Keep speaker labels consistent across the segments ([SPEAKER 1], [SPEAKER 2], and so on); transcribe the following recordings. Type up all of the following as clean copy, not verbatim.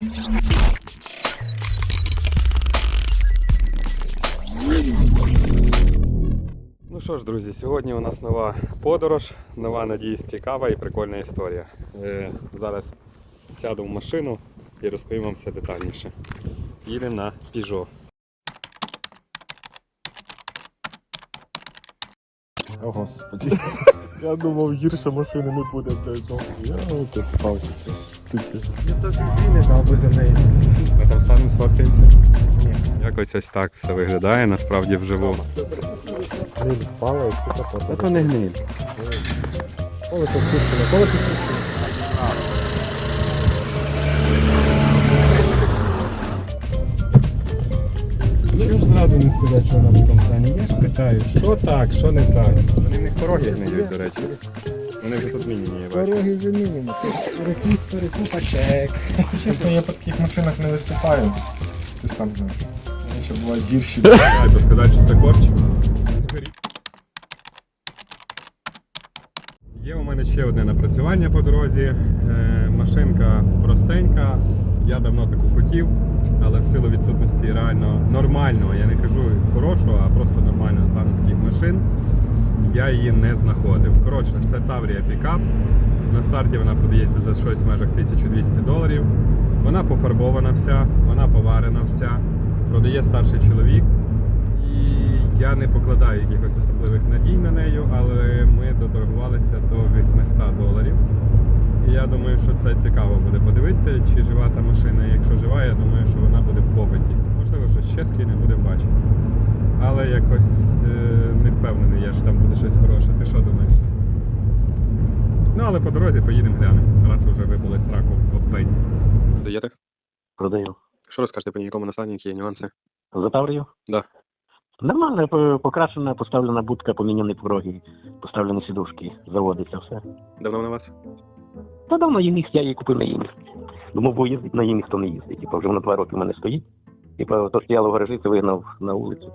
[SPEAKER 1] Ну що ж, друзі, сьогодні у нас нова подорож, нова, надіюсь, цікава і прикольна історія. Зараз сяду в машину і розповім вам все детальніше. Їдемо на Peugeot.
[SPEAKER 2] О, Господи. Я думав, гірше машини не буде, блядь. Я тут попався, це стільки.
[SPEAKER 3] Я теж не дав би за неї.
[SPEAKER 1] Ми там станемо, сфоткаємося?
[SPEAKER 3] Ні.
[SPEAKER 1] Якось ось так все виглядає, насправді вживу.
[SPEAKER 2] Гниль впала і тут
[SPEAKER 1] Та
[SPEAKER 2] капота.
[SPEAKER 1] то не гниль.
[SPEAKER 2] Колесо спущено, колесо спущено.
[SPEAKER 3] Чого ж зразу не сказати, що вона в такому стані? Я ж питаю, що так, що не так.
[SPEAKER 1] Вони в них пороги гниють, до речі. Вони вже тут мінімі, я бачу.
[SPEAKER 3] Дороги вже мінімум. Перекупа чек.
[SPEAKER 2] Чесно, я по таких машинах не виступаю. Ти сам знаєш. Вони ще бувають гірші.
[SPEAKER 1] Треба сказати, що це корч. Є у мене ще одне напрацювання по дорозі. Машинка простенька. Я давно таку хотів, але в силу відсутності реально нормального, я не кажу хорошого, а просто нормального стану таких машин, я її не знаходив. Коротше, це Таврія пікап. На старті вона продається за щось в межах $1200. Вона пофарбована вся, вона поварена вся, продає старший чоловік. І я не покладаю якихось особливих надій на неї, але ми доторгувалися до $800. І я думаю, що це цікаво буде подивитися, чи жива та машина. Якщо жива, я думаю, що вона буде в попиті. Можливо, що ще скине, будемо бачити. Але якось не впевнений я, що там буде щось хороше. Ти що думаєш? Ну, але по дорозі поїдемо глянемо, раз вже вибули з раку об пень. Продаєте?
[SPEAKER 4] Продаю.
[SPEAKER 1] Що розкажете по якому настані, які є нюанси?
[SPEAKER 4] За Таврію?
[SPEAKER 1] Да.
[SPEAKER 4] Нормально, покрашена, поставлена будка, поміняні пороги, поставлені сідушки, заводиться все.
[SPEAKER 1] Давно вона у вас?
[SPEAKER 4] Та давно її міг, я її купив на її. Думав, бо їздить, на її ніхто не їздить. Типа, вже вона 2 роки в мене стоїть. Типа, то стояло в гаражі, це вигнав на вулицю.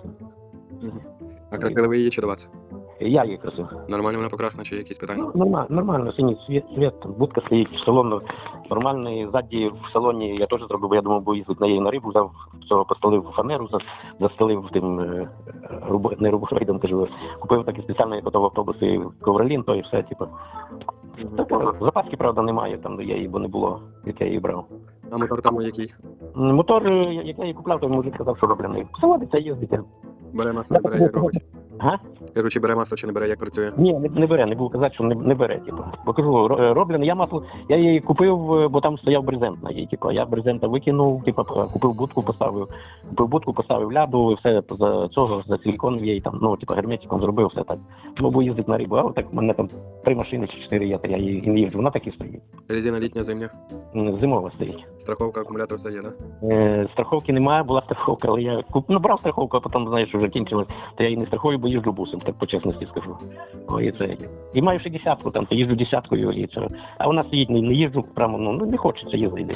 [SPEAKER 1] А красили ви її чи до вас?
[SPEAKER 4] Я її красив.
[SPEAKER 1] Нормально вона покрашена чи якісь питання?
[SPEAKER 4] Ну, нормально, синій світ, будка стоїть, салон нормальний, ззаді в салоні я теж зробив, бо я думав, бо їздить на її на рибу, взяв цього, постелив фанеру, застелив тим, не рубофрейдом, кажу, купив такі спеціальні як в автобуси ковролін, то і все, типу. Запаски, правда, немає, там я її, бо не було, як я її брав.
[SPEAKER 1] А мотор там який?
[SPEAKER 4] Мотор, як я її купляв, то мужик казав, що роблений. Заводиться, їздить.
[SPEAKER 1] Бере масло, не бере, як робить?
[SPEAKER 4] Ага?
[SPEAKER 1] Кажу, чи бере масло, чи не бере, як працює?
[SPEAKER 4] Ні, не бере, не буду казати, що не бере, типу. Бо кажу, роблений, я її купив, бо там стояв брезент на її, типу. Я брезента викинув, типу, купив будку, поставив ляду, все за цього, за силікон її там, ну, типу, герметиком зробив, все так. Ну, бо їздить на рибу, а так в мене там 3 машини чи 4 є, я її не їжджу, вона так і стоїть.
[SPEAKER 1] Резина літня, зимня?
[SPEAKER 4] Зимова стоїть.
[SPEAKER 1] Страховка, акумулятор все є, так?
[SPEAKER 4] Страховки немає, була страховка, але я брав страховку, а потім, знаєш, вже кінчилось, то я її не страхую, бо їжджу бусом, так по чесності скажу. О, і це. І маю ще 10-ку, там, то їжджу 10-кою, і це. А вона стоїть, не їжджу прямо, ну, не хочеться їздити.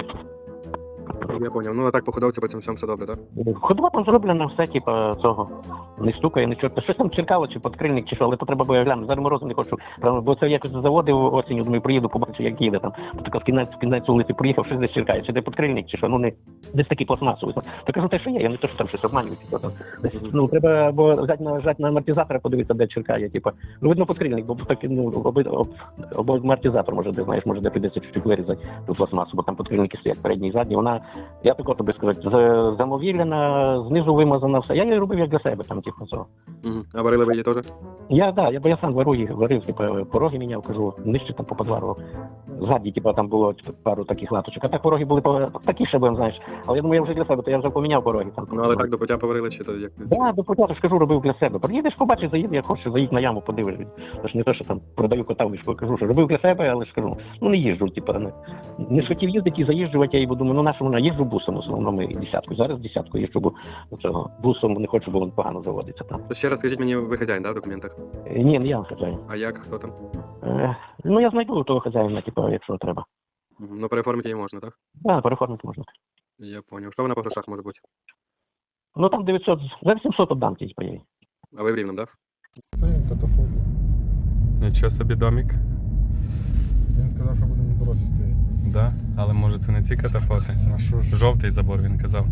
[SPEAKER 1] Я поняв. Ну, а так по ходовці по цьому всьому все добре, так?
[SPEAKER 4] Ходова там зроблена, все, типу, цього, не стукає, нічого. Щось там черкало, чи подкрильник, чи що, але то треба було глянути. Зараз морозу не хочу, бо це якось заводив осінню, думаю, приїду, побачу, як їде там. Така в кінець вулиці приїхав, щось десь черкає, чи де подкрильник, чи що, ну, не, десь такий пластмасовий. То кажу, те, що є, я не то, що там щось обманюють, типу, там. Ну, треба, або взяти на амортизатора, подивитися, де черкає, типу. Ну, видно, подкрильник, бо так, ну, або амортизатор, може, де, знаєш, може, де прийдеться чуть-чуть вирізати ту пластмасу, бо там подкрильники стоять, передній і задній, вона, я тако тобі сказати, замовілена, знизу вимазана все. Я її робив як для себе, там, типу, цього.
[SPEAKER 1] А варили ви її теж?
[SPEAKER 4] Я сам варив, типу, пороги міняв, кажу, нижче там поподварував. Ззаді, типу, там було пару таких латочок. А так пороги були такі ще, знаєш. Але я думаю, я вже для себе, то я вже поміняв пороги. Там,
[SPEAKER 1] ну, але так до пуття поварили, чи то як?
[SPEAKER 4] Так, до пуття, скажу, робив для себе. Приїдеш, побачиш, заїди, як хочеш, заїдь на яму, подивишся. Тож не те, що там продаю кота в мішку, кажу, що робив для себе, але ж кажу, ну не їжджу, типу, не хотів їздити і заїжджувати, я думаю, ну нашому їжджу бусом, в основному і 10-ку. Зараз 10-ку їжджу, бо цього бусом не хочу, бо він погано заводиться там.
[SPEAKER 1] То ще раз скажіть мені, ви хазяїн, да, в документах?
[SPEAKER 4] Ні, не я хазяїн.
[SPEAKER 1] А як? Хто там?
[SPEAKER 4] Ну я знайду того хазяїна, типу, якщо треба.
[SPEAKER 1] Ну, переоформити її можна, так?
[SPEAKER 4] Так, переформити можна.
[SPEAKER 1] Я поняв. Що вона по грошах може бути?
[SPEAKER 4] Ну там 900, за 800 отдам тій поїй.
[SPEAKER 1] А ви в Рівному, так?
[SPEAKER 2] Це катафот.
[SPEAKER 1] Нічого собі домик.
[SPEAKER 2] Він сказав, що буде на дорозі стояти.
[SPEAKER 1] Да? Але може це не ці катафоти.
[SPEAKER 2] А що ж?
[SPEAKER 1] Жовтий забор, він казав.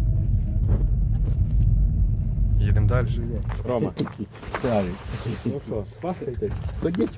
[SPEAKER 1] Їдемо далі. Рома.
[SPEAKER 2] Сяві.
[SPEAKER 1] Ну що, пастайте?
[SPEAKER 2] Ходіть.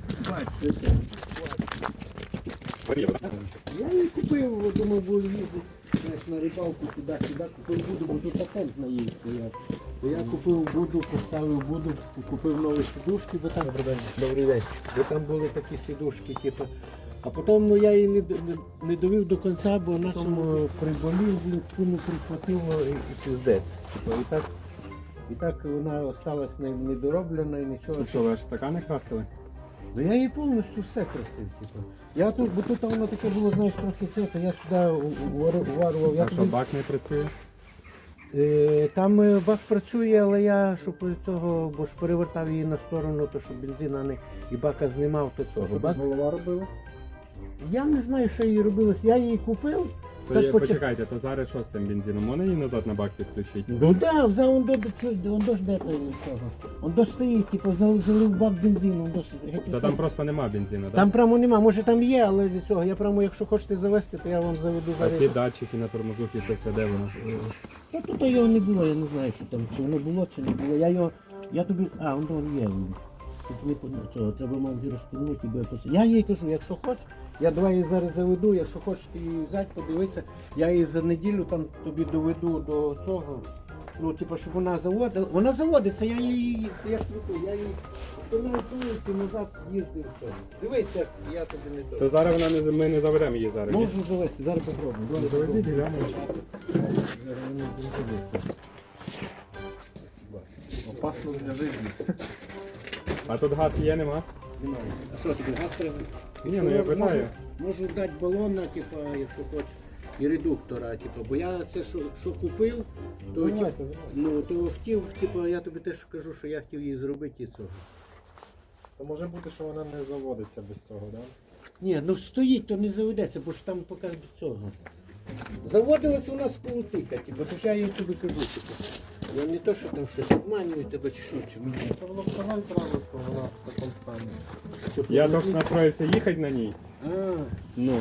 [SPEAKER 5] Я її купив, думав, буду їздити знаєш, на рибалку туди-сюди, купив буду, бо тут патент на її стояв. То я купив буду, поставив буду, купив нові сідушки, бо там добрий день. Бо там були такі сідушки, типу. А потім ну, я її не довів до кінця, бо на цьому приболів, він спину прихватило і пиздець. Типу, і так вона осталась недороблена і нічого.
[SPEAKER 1] Тут що, ви аж стакани красили?
[SPEAKER 5] Ну я її повністю все красив, типу. Я тут, бо тут воно таке було, знаєш, трохи це, то я сюди уварував.
[SPEAKER 1] А що, бак не працює?
[SPEAKER 5] Там бак працює, але я, щоб цього, бо ж перевертав її на сторону, то щоб бензина не і бака знімав, то цього. Бак...
[SPEAKER 2] Голова робила?
[SPEAKER 5] Я не знаю, що її робилось. Я її купив.
[SPEAKER 1] То
[SPEAKER 5] Так,
[SPEAKER 1] є, почекайте, то зараз що з тим бензином? Можна її назад на бак підключити?
[SPEAKER 5] Ну так, взяв он до ж де той цього. Он до стоїть, типу, залив бак бензину.
[SPEAKER 1] Та там просто нема бензину, так?
[SPEAKER 5] Там прямо нема, може там є, але для цього. Я прямо, якщо хочете завести, то я вам заведу
[SPEAKER 1] А ті
[SPEAKER 5] зараз.
[SPEAKER 1] датчики на тормозухі, це все де воно?
[SPEAKER 5] Ну тут його не було, я не знаю, що там, чи воно було, чи не було. Я тобі. А, воно є. Тут не цього, треба мав розпільнути, бо я їй кажу, якщо хочеш, я давай її зараз заведу, якщо хочеш ти її взяти, подивитися, я її за неділю там тобі доведу до цього. Ну, типу, щоб вона заводила. Вона заводиться, я її, я ж кажу, я її остановив вулиці, назад їздив, все. Дивися, я тобі не
[SPEAKER 1] То
[SPEAKER 5] то.
[SPEAKER 1] зараз ми не заведемо її зараз. ні?
[SPEAKER 5] Можу завести, зараз попробую. Давай,
[SPEAKER 2] Заведіть, глянемо.
[SPEAKER 5] Зараз воно буде заводитися.
[SPEAKER 2] Опасно для життя.
[SPEAKER 1] А тут газ є, нема?
[SPEAKER 5] Немає. А що тобі газ треба?
[SPEAKER 1] Ні, ну я питаю.
[SPEAKER 5] Можу дати балона, типу, якщо хочеш, і редуктора, типу, бо я це що купив, то,
[SPEAKER 2] Заливайте,
[SPEAKER 5] ну, то хотів, типу, я тобі теж кажу, що я хотів її зробити і цього.
[SPEAKER 2] То може бути, що вона не заводиться без цього, так?
[SPEAKER 5] Ні, ну стоїть, то не заведеться, бо ж там поки до цього. Заводилась у нас полутика, типу, то ж я їй тобі кажу, типу. Я не то, що там щось обманюю тебе чи що, чи мені.
[SPEAKER 2] Це воно вказати треба, що вона в такому стані.
[SPEAKER 1] Я тож настроївся їхати на ній.
[SPEAKER 5] А,
[SPEAKER 1] Ну.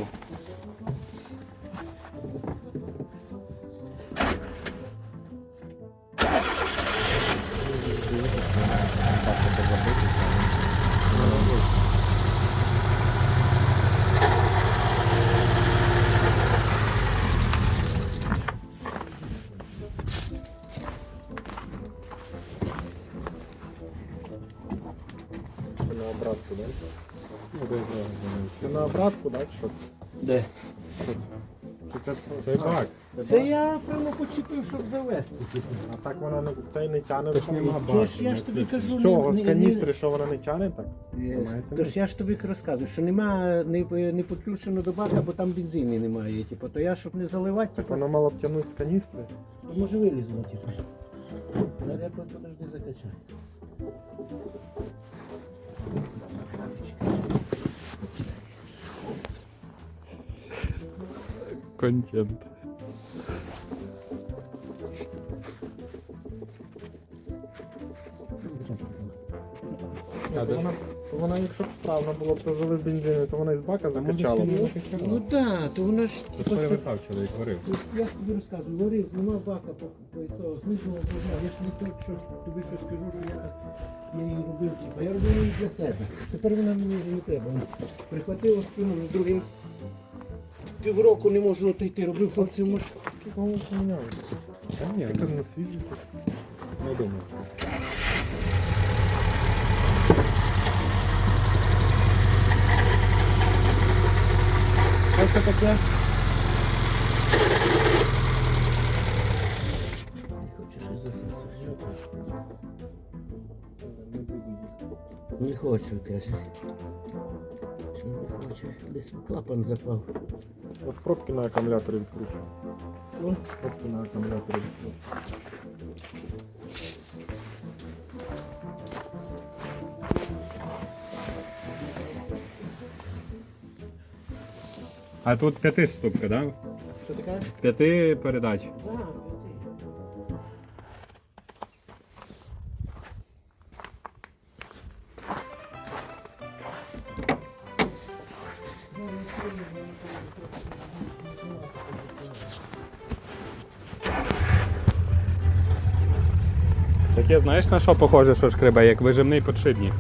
[SPEAKER 2] Це на обратку, так? Це на обратку, так? Що це?
[SPEAKER 5] де?
[SPEAKER 2] Що це? Чи це
[SPEAKER 1] Це бак.
[SPEAKER 5] Це я прямо почепив, щоб завести, типу.
[SPEAKER 2] А так вона не, цей не тягне.
[SPEAKER 1] Тож нема
[SPEAKER 5] Я ж тобі кажу,
[SPEAKER 2] З цього, з каністри, що вона не тягне, так?
[SPEAKER 5] Тож я ж тобі розказую, що нема, не підключено до бака, бо там бензину немає. Типу, то я, щоб не заливати,
[SPEAKER 2] Так
[SPEAKER 5] типу,
[SPEAKER 2] вона мала б тягнути з каністри.
[SPEAKER 5] то може вилізло, типу. Зараз я подожди закачаю.
[SPEAKER 1] Контент.
[SPEAKER 2] А вона, якщо б справно було б, то залив бензину, то вона із бака закачала.
[SPEAKER 5] Ну так, то воно ж
[SPEAKER 1] Тут перевертав чоловік, говорив.
[SPEAKER 5] Я ж тобі розказую, варив, нема бака по цього, знизу обложав. Я ж не так, що тобі щось скажу, що я її робив, типу, я робив її для себе. Тепер вона мені вже не треба. Прихватила спину вже другим. Півроку не можу отойти, робив хлопців може.
[SPEAKER 2] Кого поміняли?
[SPEAKER 1] Та ні,
[SPEAKER 2] Ти на свіжі.
[SPEAKER 1] не думаю.
[SPEAKER 5] Що це таке? Не хочеш щось засисати, що ти? Не хочу, каже. Чому не хоче? Десь клапан запав.
[SPEAKER 2] Ось пробки на акумуляторі відкручені.
[SPEAKER 5] Що?
[SPEAKER 2] Пробки на акумуляторі відкручені.
[SPEAKER 1] А тут 5-ступка, да?
[SPEAKER 5] Що таке?
[SPEAKER 1] 5 передач.
[SPEAKER 5] Так,
[SPEAKER 1] Таке, знаєш, на що похоже, що шкребе, як вижимний подшипник.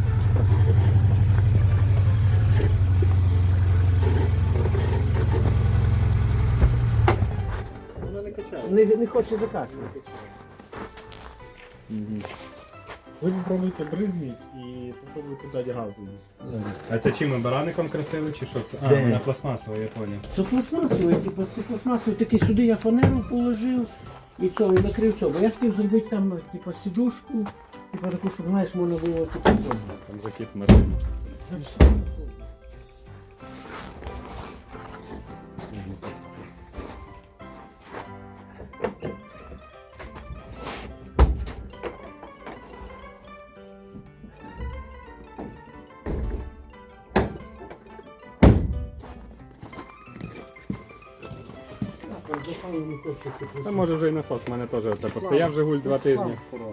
[SPEAKER 2] Вона не качає.
[SPEAKER 5] Не хоче закачувати.
[SPEAKER 2] Ви попробуйте бризніть і попробуйте дати газу.
[SPEAKER 1] А це чим, бараником красили чи що це? А,
[SPEAKER 5] Де?
[SPEAKER 1] вона пластмасова, я поняв.
[SPEAKER 5] Це пластмасовий, типу, це пластмасовий, такий сюди я фанеру положив і цього, і накрив цього. Бо я хотів зробити там, типу, сідушку, типу таку, щоб, знаєш, можна було типу цього.
[SPEAKER 1] Там закид в машині. Та може вже і насос, в мене теж це постояв Жигуль 2 тижні.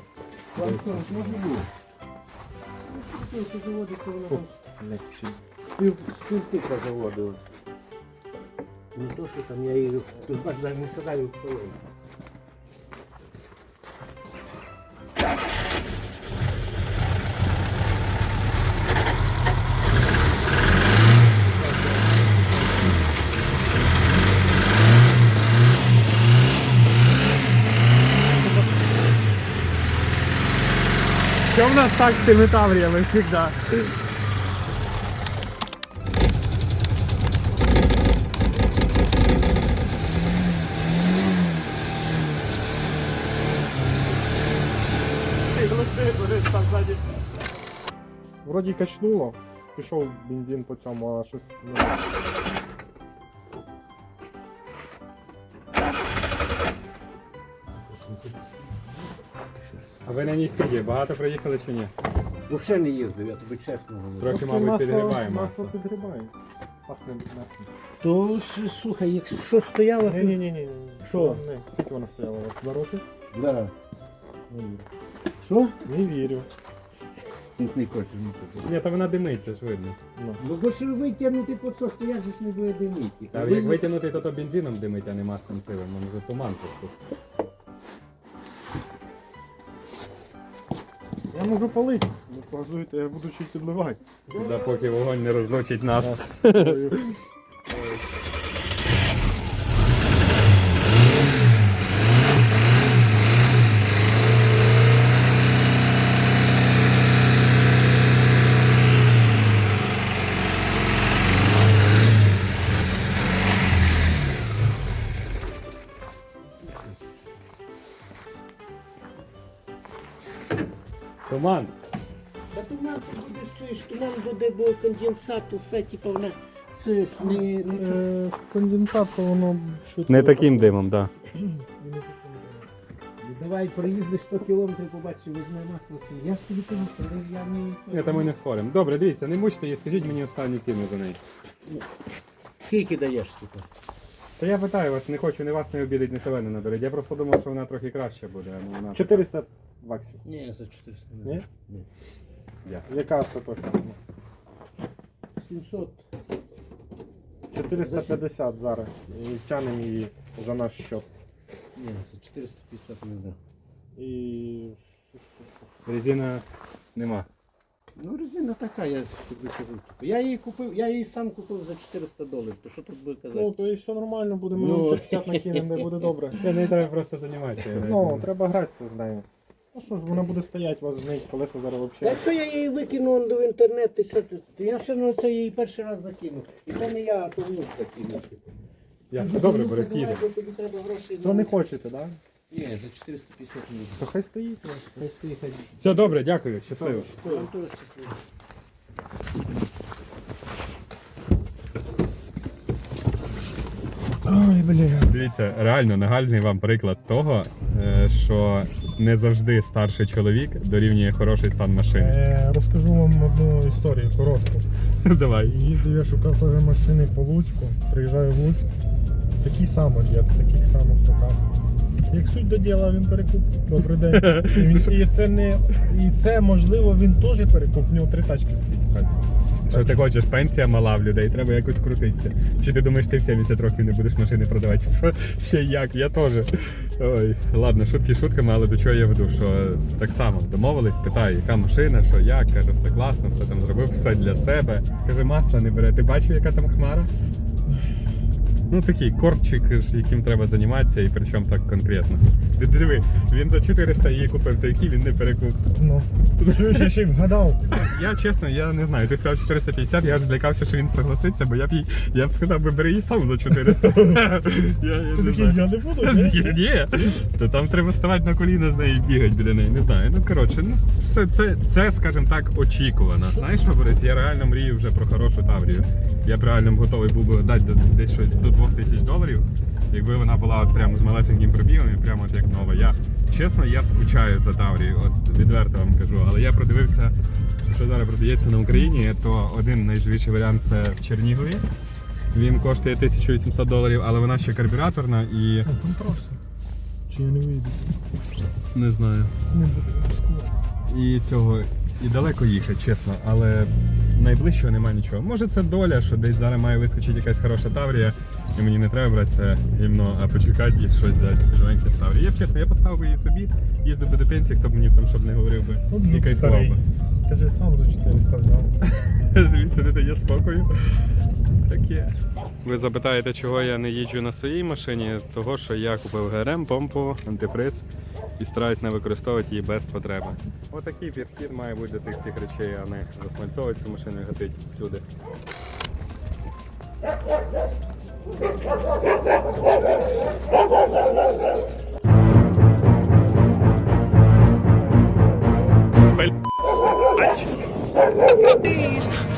[SPEAKER 5] Це заводиться воно там. Співтика заводилась. Не то, що там я її, тут бач, навіть не садаю в половину.
[SPEAKER 1] Що в нас так з тими тавріями завжди?
[SPEAKER 2] Вроді качнуло, пішов бензин по цьому, а щось не.
[SPEAKER 1] А ви на ній скільки? Багато приїхали чи ні?
[SPEAKER 5] Взагалі не їздив, я тобі чесно говорю.
[SPEAKER 1] Трохи, мабуть, підгрібає масло.
[SPEAKER 2] Масло підгрібає. Пахне маслом.
[SPEAKER 5] То ж, слухай, якщо стояло, то...
[SPEAKER 2] Ні.
[SPEAKER 5] Що?
[SPEAKER 2] Не. Скільки вона стояла у вас? 2 роки?
[SPEAKER 5] Да.
[SPEAKER 2] Не вірю.
[SPEAKER 5] Що?
[SPEAKER 2] Не вірю.
[SPEAKER 5] Не хочу нічого.
[SPEAKER 1] Ні, то вона димить, це ж видно.
[SPEAKER 2] Ну.
[SPEAKER 5] Ну бо ж витягнути по це стоять, ж не буде димити.
[SPEAKER 1] А як витягнути, то бензином димить, а не маслом сивим, може туман просто.
[SPEAKER 2] Я можу палити. Не погазуйте, я буду чуть підливати.
[SPEAKER 1] Да, поки вогонь не розлучить нас. Туман.
[SPEAKER 5] Та туман ти будеш чуєш, туман буде, бо конденсат, все, типу, вона це ж не
[SPEAKER 2] Конденсат, то воно швидко.
[SPEAKER 1] Не таким димом, так.
[SPEAKER 5] Давай проїздиш 100 кілометрів, побачиш, візьме масло. Я ж тобі кажу, що я не...
[SPEAKER 1] Ні, та ми не споримо. Добре, дивіться, не мучте її, скажіть мені останню ціну за неї.
[SPEAKER 5] Скільки даєш, типу?
[SPEAKER 1] Та я питаю вас, не хочу ні вас не обідати, ні себе не наберіть. Я просто думав, що вона трохи краще буде. Ну, вона...
[SPEAKER 2] 400 баксів.
[SPEAKER 5] Ні, за 400
[SPEAKER 2] Ні?
[SPEAKER 5] Ні.
[SPEAKER 1] Ясно.
[SPEAKER 2] Яка остаточна?
[SPEAKER 5] 700.
[SPEAKER 2] 450 зараз. І тянемо її за наш счет.
[SPEAKER 5] Ні, за 450 не дам.
[SPEAKER 2] І
[SPEAKER 1] Резина нема.
[SPEAKER 5] Ну, резина така, я ж тобі кажу. Типу. Я її сам купив за $400. То що тут буде казати?
[SPEAKER 2] ну, то і все нормально, буде, ми
[SPEAKER 5] Ну.
[SPEAKER 2] вам ще 50 накинемо, де буде добре.
[SPEAKER 1] Не треба просто займатися.
[SPEAKER 2] Ну, треба гратися з нею. Ну що ж, вона буде стояти, у вас знить, колеса зараз взагалі.
[SPEAKER 5] Якщо я її викину в інтернет, і що тут? То я ще на це її перший раз закинув. І то не я, а то внук закинув.
[SPEAKER 1] Ясно, добре, Борис, їде.
[SPEAKER 5] Тобі треба грошей.
[SPEAKER 2] То не хочете, так? Да?
[SPEAKER 5] Ні, за 450 не буде.
[SPEAKER 2] То хай стоїть.
[SPEAKER 5] Хай стоїть, хай.
[SPEAKER 1] Все добре, дякую, щасливо.
[SPEAKER 5] Там теж щасливо.
[SPEAKER 2] Ой, бля.
[SPEAKER 1] Дивіться, реально нагальний вам приклад того, що не завжди старший чоловік дорівнює хороший стан машини.
[SPEAKER 2] Розкажу вам одну історію коротку.
[SPEAKER 1] Давай.
[SPEAKER 2] Їздив я, шукав теж машини по Луцьку, приїжджаю в Луцьк, такий самий дід, в таких самих руках. Як суть до діла, він перекуп. Добрий день. І це можливо він теж перекуп, в нього 3 тачки стоїть в хаті.
[SPEAKER 1] Що ти хочеш, пенсія мала в людей, треба якось крутитися. Чи ти думаєш, ти в 70 років не будеш машини продавати? Ще як, я теж. Ой, ладно, шутки шутками, але до чого я веду, що так само домовились, питаю, яка машина, що як, каже, все класно, все там зробив, все для себе. Каже, масла не бере. Ти бачив, яка там хмара? Ну такий корчик, яким треба займатися, і причому так конкретно. Ти диви, він за 400 її купив, то який він не перекуп.
[SPEAKER 2] Ну, чуєш, я ще й вгадав.
[SPEAKER 1] Я чесно, я не знаю. Ти сказав 450, я аж злякався, що він согласиться, бо я б сказав, бери її сам за 400. Я
[SPEAKER 2] Ти
[SPEAKER 1] не
[SPEAKER 2] такий,
[SPEAKER 1] знаю.
[SPEAKER 2] я не буду. ні?
[SPEAKER 1] Ні, то там треба ставати на коліна з нею і бігати біля неї. Не знаю. Ну коротше, ну все це, скажімо так, очікувано. Знаєш що, Борис, я реально мрію вже про хорошу Таврію. Я б реально готовий був би дати десь щось до $2000, якби вона була от прямо з малесеньким пробігом і прямо от як нова. Чесно, я скучаю за Таврією, от відверто вам кажу, але я продивився, що зараз продається на Україні, то один найживіший варіант це в Чернігові. Він коштує $1800, але вона ще карбюраторна і...
[SPEAKER 2] Ну, там траса. Чи я не вийду?
[SPEAKER 1] Не знаю.
[SPEAKER 2] Не буду ризикувати.
[SPEAKER 1] І цього і далеко їхати, чесно, але найближчого немає нічого. Може це доля, що десь зараз має вискочити якась хороша Таврія, і мені не треба брати це гімно, а почекати і щось взяти живеньке з Таврії. Я б чесно, я поставив би її собі, їздив би до пенсії, хто б мені там щоб не говорив би.
[SPEAKER 2] От
[SPEAKER 1] І
[SPEAKER 2] жук
[SPEAKER 1] кайфував
[SPEAKER 2] старий.
[SPEAKER 1] би.
[SPEAKER 2] Каже, сам за 400 взяв.
[SPEAKER 1] Дивіться, не дає спокою. Таке. Ви запитаєте, чого я не їжджу на своїй машині? Того, що я купив ГРМ, помпу, антифриз і стараюсь не використовувати її без потреби. Отакий підхід має бути до тих всіх речей, а не засмальцовувати цю машину і гатити всюди.
[SPEAKER 6] Please